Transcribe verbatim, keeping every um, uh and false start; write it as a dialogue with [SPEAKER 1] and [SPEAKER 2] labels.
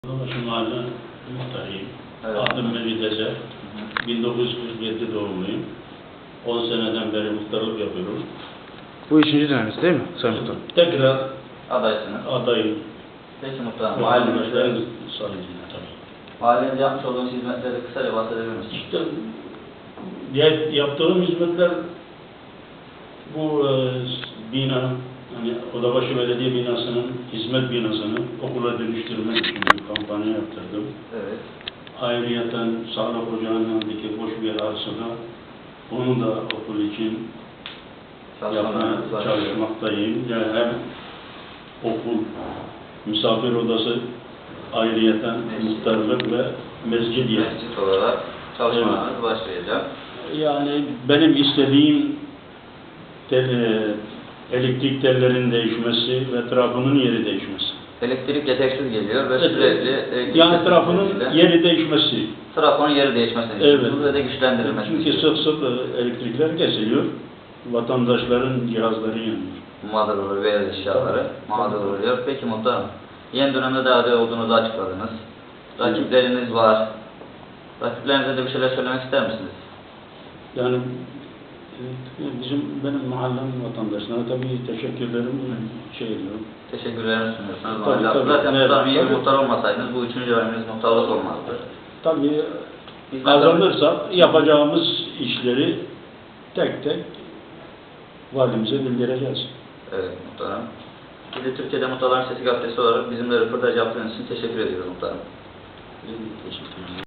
[SPEAKER 1] Şu mahalle muhtarıyım.
[SPEAKER 2] Evet.
[SPEAKER 1] Adım Mehmet Ezer. bin dokuz yüz kırk yedi doğumluyum. on seneden beri muhtarlık yapıyorum.
[SPEAKER 3] Bu üçüncü dönemimiz değil mi Sayın Muhtarım?
[SPEAKER 1] Tekrar
[SPEAKER 2] Adaysınız.
[SPEAKER 1] adayım.
[SPEAKER 2] Peki muhtarım, mahallemizde,
[SPEAKER 1] Mahallemizde sayesinde tabii.
[SPEAKER 2] mahallemizde yapmış olduğunuz hizmetleri kısaca bahsedebilir misiniz?
[SPEAKER 1] İşte ya- yaptığım hizmetler bu e, bina, hani Odabaşı Belediye binasının hizmet binasını okula dönüştürmek için bir kampanya yaptırdım.
[SPEAKER 2] Evet.
[SPEAKER 1] Ayrıyeten sağlık ocağının yanındaki boş bir arsada onu da okul için yapmaya
[SPEAKER 2] Çalışmalarınız var.
[SPEAKER 1] çalışmaktayım. Yani hem okul, misafir odası, ayrıyeten muhtarlık ve mescid yeri.
[SPEAKER 2] Mescit olarak çalışmalarınız başlayacak.
[SPEAKER 1] Yani benim istediğim tel, e, elektrik tellerinin değişmesi ve trafının yeri değişmesi.
[SPEAKER 2] Elektrik yetersiz geliyor ve
[SPEAKER 1] Evet,
[SPEAKER 2] sürekli elektrik
[SPEAKER 1] yani trafının
[SPEAKER 2] kesintiyle
[SPEAKER 1] yeri değişmesi.
[SPEAKER 2] trafonun yeri değişmesini
[SPEAKER 1] Evet.
[SPEAKER 2] istiyorsunuz ve de güçlendirilmesini
[SPEAKER 1] Çünkü
[SPEAKER 2] istiyorsunuz.
[SPEAKER 1] sık sık e, elektrikler kesiliyor. Vatandaşların cihazları yanıyor.
[SPEAKER 2] Mağdur olur veya eşyaları mağdur oluyor. Peki muhtarım, yeni dönemde de aday olduğunuzu açıkladınız. Rakipleriniz var. Rakiplerinize de bir şeyler söylemek ister misiniz?
[SPEAKER 1] Yani e, bizim benim mahallem vatandaşlarına tabii teşekkürlerimi şey ediyorum.
[SPEAKER 2] Teşekkürlerimi sunuyorsunuz.
[SPEAKER 1] Tabii,
[SPEAKER 2] Mahalle-
[SPEAKER 1] tabii.
[SPEAKER 2] Zaten
[SPEAKER 1] Evet,
[SPEAKER 2] muhtarım iyi bir
[SPEAKER 1] tabii.
[SPEAKER 2] muhtar olmasaydınız bu üçüncü döneminiz muhtarlık olmazdı.
[SPEAKER 1] Tabii
[SPEAKER 2] Biz
[SPEAKER 1] kazanırsak yapacağımız işleri tek tek valimize bildireceğiz.
[SPEAKER 2] Evet muhtarım. Bir de Türkiye'de Muhtarların Sesi gazetesi olarak bizimle röportaj yaptığınız için teşekkür ediyoruz muhtarım.
[SPEAKER 1] Teşekkür ederim.